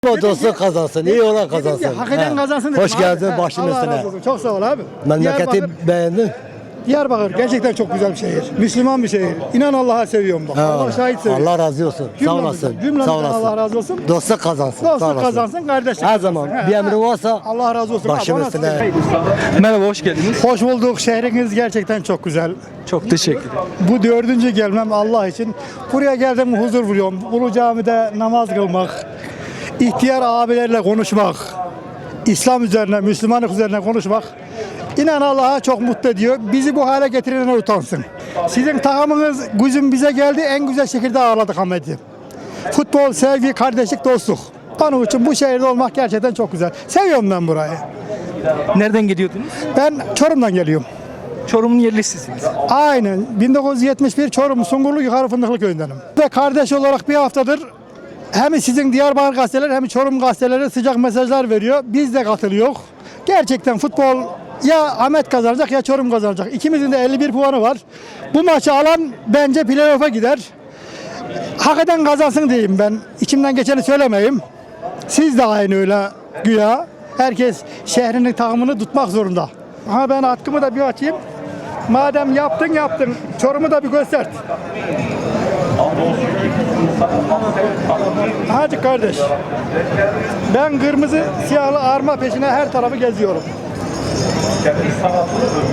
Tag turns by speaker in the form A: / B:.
A: O dostluk kazansın, iyi olan kazansın.
B: Hak eden kazansın dedim
A: Hoş
B: abi.
A: geldin
B: He,
A: başın
B: Allah
A: üstüne.
B: razı olsun. Çok sağ ol abi.
A: Memleketi beğendin.
B: Diyarbakır gerçekten çok güzel bir şehir. Müslüman bir şehir. İnan Allah'a seviyorum bak.
A: Ha,
B: Allah şahit seviyor.
A: Allah razı olsun. Sağ olasın.
B: Cümlemizden
A: Sağ olasın.
B: Allah razı olsun.
A: Dostluk kazansın. Sağ
B: Dostluk
A: olasın.
B: kazansın, kardeşlik
A: Her
B: kazansın.
A: zaman
B: He,
A: bir
B: he.
A: emri varsa
B: Allah razı olsun.
A: başım
B: Abi,
A: üstüne.
C: Merhaba, hoş geldiniz.
B: Hoş bulduk. Şehriniz gerçekten çok güzel.
C: Çok teşekkür ederim.
B: Bu 4. gelmem Allah için. Buraya geldim huzur buluyorum. Ulu Cami'de namaz kılmak, ihtiyar abilerle konuşmak, İslam üzerine, Müslümanlık üzerine konuşmak İnan Allah'a çok mutlu ediyor. Bizi bu hale getirenler utansın. Sizin takımınız güzüm bize geldi. En güzel şekilde ağırladık Ahmet'i. Futbol, sevgi, kardeşlik, dostluk. Onun için bu şehirde olmak gerçekten çok güzel. Seviyorum ben burayı.
C: Nereden geliyordunuz?
B: Ben Çorum'dan geliyorum.
C: Çorum'un yerlisisiniz.
B: Aynen. 1971 Çorum Sungurlu Yukarı Fındıklı köyündenim. Ve kardeş olarak bir haftadır hem sizin Diyarbakır gazeteleri hem Çorum gazeteleri sıcak mesajlar veriyor. Biz de katılıyoruz. Gerçekten futbol ya Ahmet kazanacak ya Çorum kazanacak. İkimizin de 51 puanı var. Bu maçı alan bence playoff'a gider. Hak eden kazansın diyeyim ben. İçimden geçeni söylemeyeyim. Siz de aynı öyle güya. Herkes şehrinin takımını tutmak zorunda. Ha ben atkımı da bir açayım. Madem yaptın. Çorum'u da bir göster. Hadi kardeş. Ben kırmızı siyahlı arma peşine her tarafı geziyorum.